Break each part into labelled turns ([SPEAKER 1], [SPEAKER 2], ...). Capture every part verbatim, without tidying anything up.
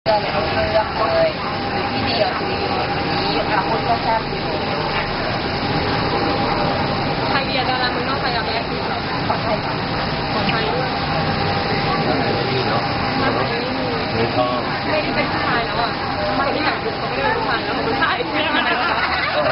[SPEAKER 1] เรื่องเรื่องเลยหรือที่เดียวทีนี้อาวุธก็แซ่บอยู่
[SPEAKER 2] ไทยเบียร์ดารามึงนอกไปกับแบล็คพิงค์เหรอ
[SPEAKER 1] ของไทย
[SPEAKER 2] ของไทยด้วย
[SPEAKER 3] ไม่มีเนาะไม่ชอบ
[SPEAKER 2] ไม่ได้เป็นผู้ชายแล้วอ่ะไม่ได้อยากดูเขาไม่ได้เป็นผู้ชายแล้วเขาเป็นผู้ชายเนี่ยมันอะไรวะ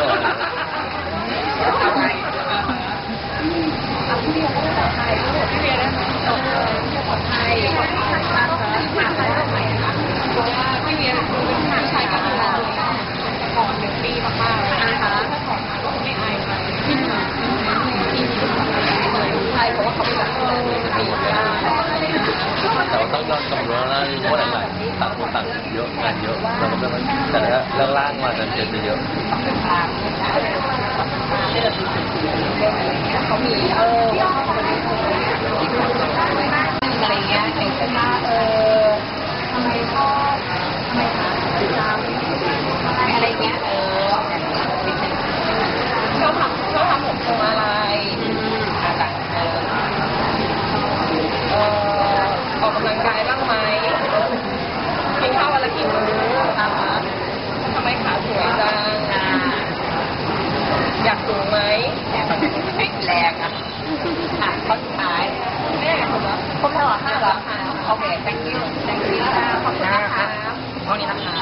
[SPEAKER 1] พี่เบียร์ก็ได้ไทยพี่เบียร์ได้ไหมของไทยของไทยมากเลยมาไทยทำไมคะ
[SPEAKER 2] เพราะว่าพี่เบียร์คือเป็นผู้ชายก็ดูแต่ก่อนหนึ่งปีมากๆเลยนะคะถ้าถอดมาก็ไม่อายใครที่มีที่มีทุกคนเลย
[SPEAKER 1] ใช่เพราะว่าเขาเป็นแบบนี้ปีกได้
[SPEAKER 3] แต่ว่าต้องยอมตรงนี้แล้วเพราะหลังๆต่างคนต่างเยอะงานเยอะแล้วก็ไม่แต่แล้วเรื่องล่างมาจะจะเยอะ
[SPEAKER 1] เขามีเอออะไรเงี้ยเด็กก็น่าเออทำไมชอบทำไมหาจำอะไรเงี้ยเออ
[SPEAKER 2] ชอบทำชอบทำผมทรงอะไร
[SPEAKER 1] อะไรเออ
[SPEAKER 2] เออออกกำลังกายบ้างไหมกินข้าววันละกี่มื้อนะคะทำไมขาสวยจังอยากสูงไหม
[SPEAKER 1] ไม่แรงอ่ะอ่ะข้อสุดท้าย
[SPEAKER 2] แม่ผมว่า
[SPEAKER 1] ครบแล้วเหรอห้าแล้วโอเค thank you thank you ขอบคุณนะคะ
[SPEAKER 2] เท่านี้นะคะ